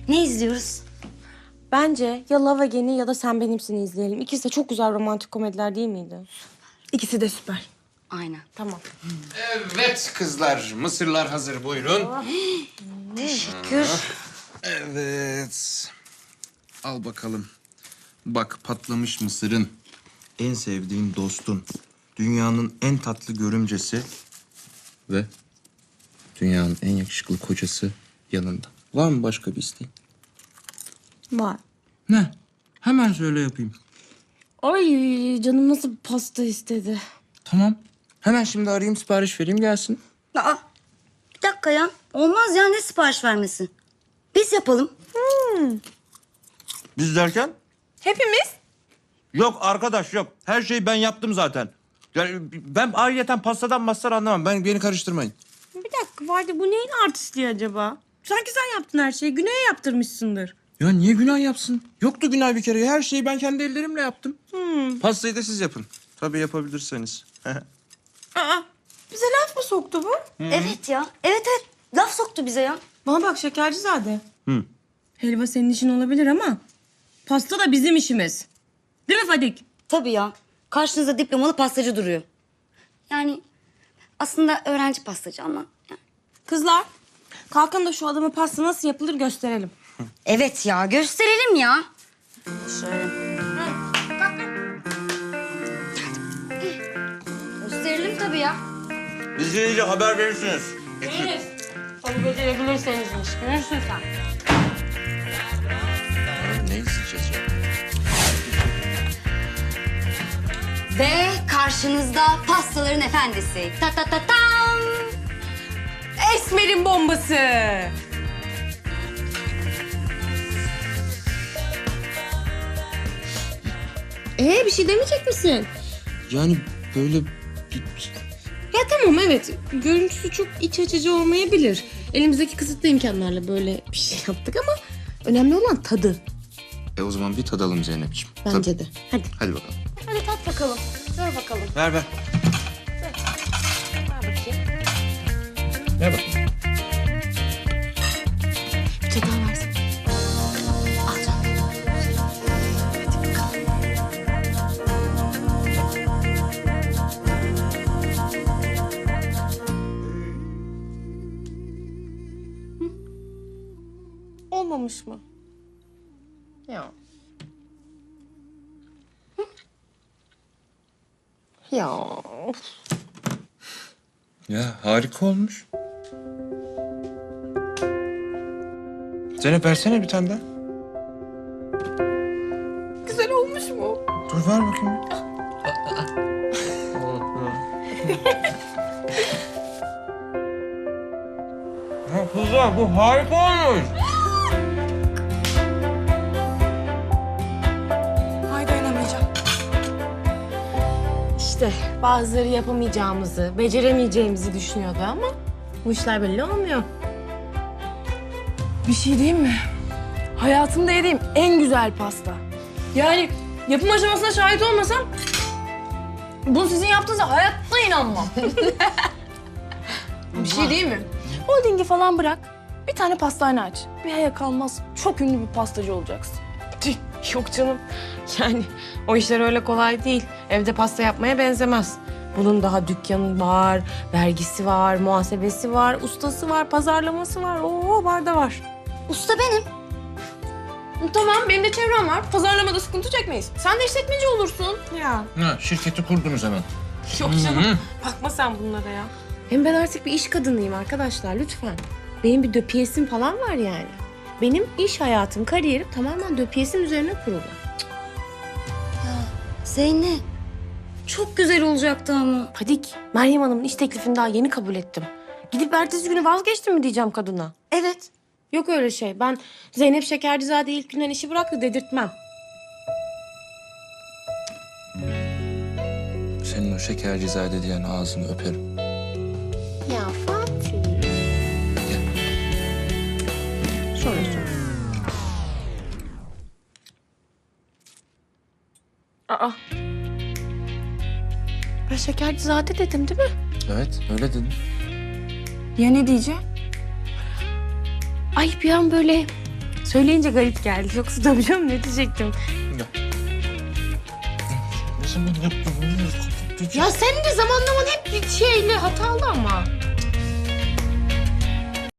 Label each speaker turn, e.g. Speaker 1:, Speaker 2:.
Speaker 1: Ne izliyoruz?
Speaker 2: Bence ya Love Again'i ya da Sen Benimsin'i izleyelim. İkisi de çok güzel romantik komediler değil miydi?
Speaker 3: İkisi de süper.
Speaker 1: Aynen.
Speaker 2: Tamam.
Speaker 4: Evet kızlar, mısırlar hazır buyurun.
Speaker 1: Teşekkür.
Speaker 4: Evet. Al bakalım. Bak patlamış mısırın, en sevdiğin dostun, dünyanın en tatlı görümcesi ve dünyanın en yakışıklı kocası yanında. Var mı başka bir isteğin?
Speaker 2: Var.
Speaker 4: Ne? Hemen söyle yapayım.
Speaker 2: Ay canım nasıl pasta istedi.
Speaker 4: Tamam. Hemen şimdi arayayım, sipariş vereyim gelsin.
Speaker 1: Aa, bir dakika ya. Olmaz ya, ne sipariş vermesi? Biz yapalım.
Speaker 5: Biz derken?
Speaker 3: Hepimiz.
Speaker 5: Yok arkadaş yok. Her şeyi ben yaptım zaten. Yani ben ayrıyeten pastadan mastar anlamam.
Speaker 4: Beni karıştırmayın.
Speaker 2: Bir dakika Vadi bu neyin artistliği acaba? Sanki sen yaptın her şeyi. Güney'e yaptırmışsındır.
Speaker 4: Ya niye günah yapsın? Yoktu günah bir kere. Her şeyi ben kendi ellerimle yaptım. Pastayı da siz yapın. Tabii yapabilirseniz.
Speaker 2: Aa, bize laf mı soktu bu?
Speaker 1: Evet ya. Evet. Laf soktu bize ya.
Speaker 2: Bana bak Şekercizade. Helva senin işin olabilir ama pasta da bizim işimiz. Değil mi Fadik?
Speaker 1: Tabii ya. Karşınızda diplomalı pastacı duruyor. Yani aslında öğrenci pastacı ama. Yani.
Speaker 2: Kızlar kalkın da şu adama pasta nasıl yapılır gösterelim.
Speaker 1: Evet ya, gösterelim ya. Şöyle. Gösterelim tabii ya.
Speaker 5: Biz gelince haber verirsiniz.
Speaker 2: Veririz. Onu becerebilirsenizmiş. Görürsün sen.
Speaker 4: Ne isteyeceğiz ya?
Speaker 1: Ve karşınızda pastaların efendisi. Ta ta ta tam.
Speaker 2: Esmer'in bombası. Bir şey demeyecek misin?
Speaker 4: Yani böyle
Speaker 2: Ya tamam evet. Görüntüsü çok iç açıcı olmayabilir. Elimizdeki kısıtlı imkanlarla böyle bir şey yaptık ama önemli olan tadı.
Speaker 4: o zaman bir tadalım Zeynep'ciğim.
Speaker 2: Bence de. Hadi.
Speaker 4: Hadi bakalım.
Speaker 2: Hadi tat bakalım. Ver bakalım.
Speaker 4: Ver.
Speaker 2: Ver bakayım.
Speaker 4: Ver bakayım.
Speaker 2: Bir çatal versin.
Speaker 1: Al canım.
Speaker 2: Olmamış mı? Ya. Ya.
Speaker 4: Ya harika olmuş. Zeynep versene bir tane daha.
Speaker 2: Güzel olmuş mu?
Speaker 4: Dur ver bakayım.
Speaker 5: Kızlar bu harika olmuş.
Speaker 3: Ay dayanamayacağım.
Speaker 2: İşte bazıları yapamayacağımızı, beceremeyeceğimizi düşünüyordu ama bu işler belli olmuyor.
Speaker 3: Bir şey diyeyim mi? Hayatımda yediğim en güzel pasta. Yani yapım aşamasına şahit olmasam bunu sizin yaptığınıza hayatta inanmam. Bir şey diyeyim mi? Holdingi falan bırak. Bir tane pastane aç. Bir aya kalmaz çok ünlü bir pastacı olacaksın.
Speaker 2: Tüh, yok canım. Yani o işler öyle kolay değil. Evde pasta yapmaya benzemez. Bunun daha dükkanı var, vergisi var, muhasebesi var, ustası var, pazarlaması var. Oo var da var.
Speaker 1: Usta benim.
Speaker 3: Tamam benim de çevrem var. Pazarlamada sıkıntı çekmeyiz. Sen de işletmeci olursun.
Speaker 2: Ya
Speaker 4: Ha, şirketi kurdunuz hemen.
Speaker 2: yok canım. Bakma sen bunlara ya. Hem ben artık bir iş kadınıyım arkadaşlar lütfen. Benim bir döpiyesim falan var yani. Benim iş hayatım, kariyerim tamamen döpiyesim üzerine kurulu.
Speaker 1: Zeynep. Çok güzel olacaktı ama.
Speaker 2: Fadik, Meryem Hanım'ın iş teklifini daha yeni kabul ettim. Gidip ertesi günü vazgeçtim mi diyeceğim kadına.
Speaker 1: Evet.
Speaker 2: Yok öyle şey. Ben Zeynep Şekercizade ilk günden işi bıraktı dedirtmem.
Speaker 4: Senin o şekercizade diyen ağzını öperim.
Speaker 2: Ya Fatih. Sonra. Aa. Ben Şekercizade dedim değil mi?
Speaker 4: Evet öyle dedim.
Speaker 3: Ya ne diyeceğim?
Speaker 2: Ay bir an böyle Söyleyince garip geldi. Yoksa tabii canım ne diyecektim.
Speaker 5: Ne zaman yaptın?
Speaker 2: Ya senin de zamanlaman hep bir şeyle hatalı ama.